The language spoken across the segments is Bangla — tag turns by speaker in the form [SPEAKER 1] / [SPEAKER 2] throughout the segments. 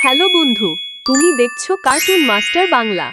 [SPEAKER 1] হ্যালো বন্ধু, তুমি দেখছো কার্টুন মাস্টার বাংলা।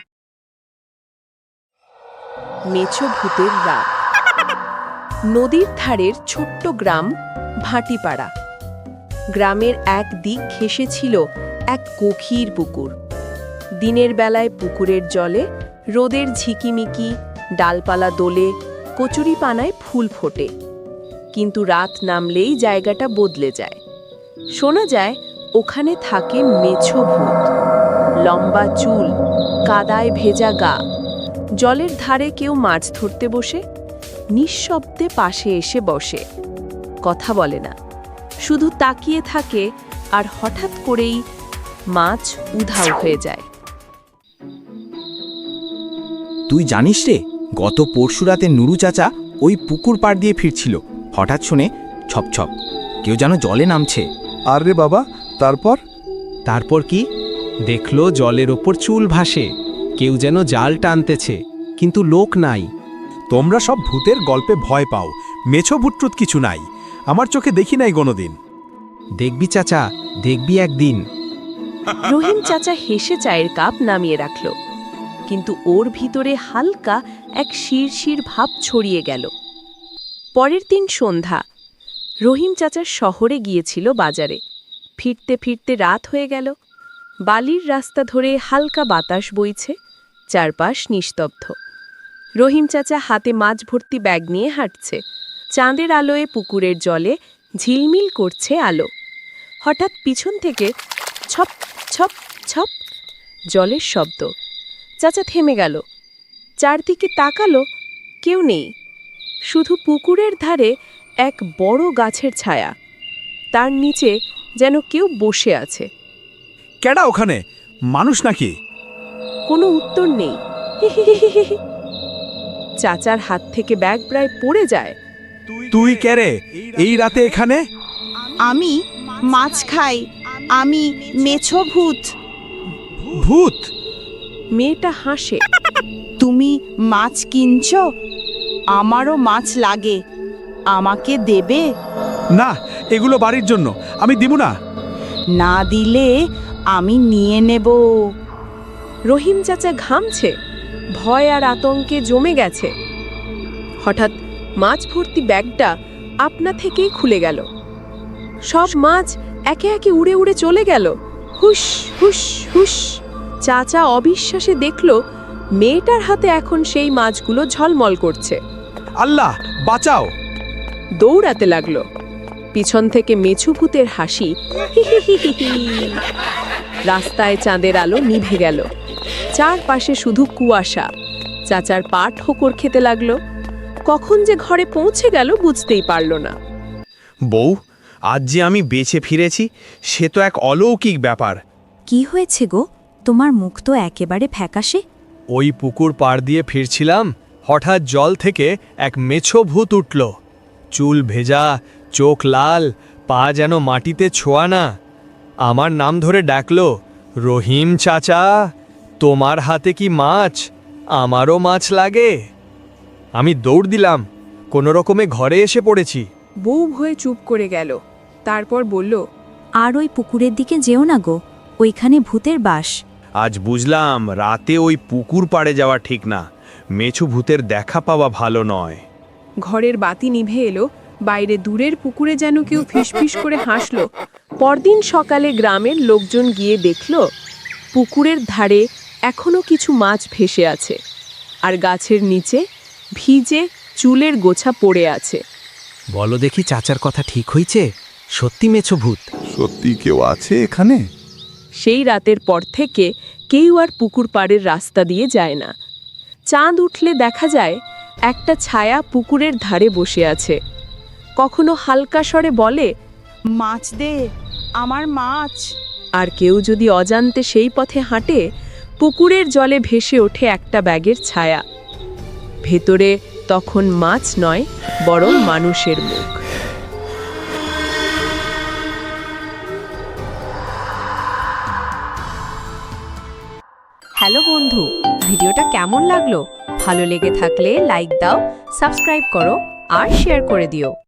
[SPEAKER 1] মেছো ভূতের রাত। নদীর ধারের ছোট্ট গ্রাম ভাটিপাড়া। গ্রামের এক দিক ঘেঁষে ছিল এক গভীর পুকুর। দিনের বেলায় পুকুরের জলে রোদের ঝিকিমিকি, ডালপালা দোলে, কচুরিপানায় ফুল ফোটে। কিন্তু রাত নামলেই জায়গাটা বদলে যায়। শোনা যায় ওখানে থাকে মেছো ভূত। লম্বা চুল, কাদায় ভেজা গা। জলের ধারে কেউ মাছ ধরতে বসে নিঃশব্দে পাশে এসে বসে। কথা বলে না, শুধু তাকিয়ে থাকে, আর হঠাৎ করেই মাছ উধাও হয়ে যায়।
[SPEAKER 2] তুই জানিস রে, গত পরশু রাতে নুরু চাচা ওই পুকুর পাড় দিয়ে ফিরছিল। হঠাৎ শুনে ছপ ছপ, কেউ যেন জলে নামছে।
[SPEAKER 3] আর রে বাবা,
[SPEAKER 4] তারপর কি দেখলো? জলের ওপর চুল ভাসে, কেউ যেন জাল টানতেছে, কিন্তু লোক নাই।
[SPEAKER 3] তোমরা সব ভূতের গল্পে ভয় পাও, মেছো ভূতটুত কিছু নাই। আমার চোখে দেখি নাই কোনোদিন।
[SPEAKER 4] দেখবি চাচা, দেখবি একদিন।
[SPEAKER 1] রহিম চাচা হেসে চায়ের কাপ নামিয়ে রাখল, কিন্তু ওর ভিতরে হালকা এক শিরশির ভাব ছড়িয়ে গেল। পরের দিন সন্ধ্যা। রহিম চাচা শহরে গিয়েছিল বাজারে। ফিরতে ফিরতে রাত হয়ে গেল। বালির রাস্তা ধরে হালকা বাতাস বইছে, চারপাশ নিস্তব্ধ। রহিম চাচা হাতে মাছ ভর্তি ব্যাগ নিয়ে হাঁটছে। চাঁদের আলোয় পুকুরের জলে ঝিলমিল করছে আলো। হঠাৎ পিছন থেকে ছপ ছপ ছপ জলের শব্দ। চাচা থেমে গেল, চারদিকে তাকালো, কেউ নেই। শুধু পুকুরের ধারে এক বড় গাছের ছায়া, তার নিচে যেন কেউ বসে আছে।
[SPEAKER 3] কেডা ওখানে? মানুষ নাকি?
[SPEAKER 1] কোনো উত্তর নেই। চাচার হাত থেকে ব্যাগ প্রায় পড়ে যায়।
[SPEAKER 3] তুই কেরে এই রাতে এখানে?
[SPEAKER 5] আমি মাছ খাই, আমি মেছো ভূত।
[SPEAKER 3] ভূত?
[SPEAKER 1] মেয়েটা হাসে।
[SPEAKER 5] তুমি মাছ কিনছো? আমারও মাছ লাগে, আমাকে দেবে?
[SPEAKER 3] না, এগুলো বাড়ির জন্য, আমি দিব না।
[SPEAKER 5] না দিলে আমি নিয়ে নেব।
[SPEAKER 1] রহিম চাচা ঘামছে, ভয় আর আতঙ্কে জমে গেছে। হঠাৎ মাছ ভর্তি ব্যাগটা আপনা থেকেই খুলে গেল। সব মাছ একে একে উড়ে উড়ে চলে গেল। হুস হুস হুস। চাচা অবিশ্বাসে দেখল মেয়েটার হাতে এখন সেই মাছগুলো ঝলমল করছে।
[SPEAKER 3] আল্লাহ বাঁচাও!
[SPEAKER 1] দৌড়াতে লাগলো। পিছন থেকে মেছো ভূতের হাসি, হিহিহিহিহি। রাস্তায় চাঁদের আলো নিভে গেল, চারপাশে শুধু কুয়াশা। চাচার পা ঠোকর খেতে লাগলো। কখন যে ঘরে পৌঁছে গেল বুঝতেই পারল না।
[SPEAKER 6] বউ, আজ যে আমি বেঁচে ফিরেছি, সে তো এক অলৌকিক ব্যাপার।
[SPEAKER 7] কি হয়েছে গো, তোমার মুখ তো একেবারে ফ্যাকাশে।
[SPEAKER 4] ওই পুকুর পাড় দিয়ে ফিরছিলাম, হঠাৎ জল থেকে এক মেছো ভূত উঠল। চুল ভেজা, চোখ লাল, পা যেন মাটিতে ছোঁয়া না। আমার নাম ধরে ডাকলো, রহিম চাচা, তোমার হাতে কি মাছ? আমারও মাছ লাগে। আমি দৌড় দিলাম, কোনো রকমে ঘরে এসে পড়েছি।
[SPEAKER 1] বউ ভয়ে চুপ করে গেল, তারপর বলল,
[SPEAKER 7] আর ওই পুকুরের দিকে যেও না গো, ওইখানে ভূতের বাস।
[SPEAKER 6] আজ বুঝলাম রাতে ওই পুকুর পাড়ে যাওয়া ঠিক না। মেছো ভূতের দেখা পাওয়া ভালো নয়।
[SPEAKER 1] ঘরের বাতি নিভে এলো। বাইরে দূরের পুকুরে যেন কেউ ফিসফিস করে হাসল। পরদিন সকালে গ্রামের লোকজন গিয়ে দেখল পুকুরের ধারে এখনো কিছু মাছ ভেসে আছে, আর গাছের নিচে ভিজে চুলের গোছা পড়ে আছে।
[SPEAKER 4] বলো দেখি, চাচার কথা ঠিক হইছে? সত্যি মেছো ভূত?
[SPEAKER 3] সত্যি কেউ আছে এখানে?
[SPEAKER 1] সেই রাতের পর থেকে কেউ আর পুকুর পাড়ের রাস্তা দিয়ে যায় না। চাঁদ উঠলে দেখা যায় একটা ছায়া পুকুরের ধারে বসে আছে। কখনো হালকা স্বরে বলে,
[SPEAKER 5] মাছ দে, আমার মাছ।
[SPEAKER 1] আর কেউ যদি অজান্তে সেই পথে হাঁটে, পুকুরের জলে ভেসে ওঠে একটা ব্যাগের ছায়া। ভেতরে তখন মাছ নয়, বরং মানুষের মুখ।
[SPEAKER 7] হ্যালো বন্ধু, ভিডিওটা কেমন লাগলো? ভালো লেগে থাকলে লাইক দাও, সাবস্ক্রাইব করো আর শেয়ার করে দিও।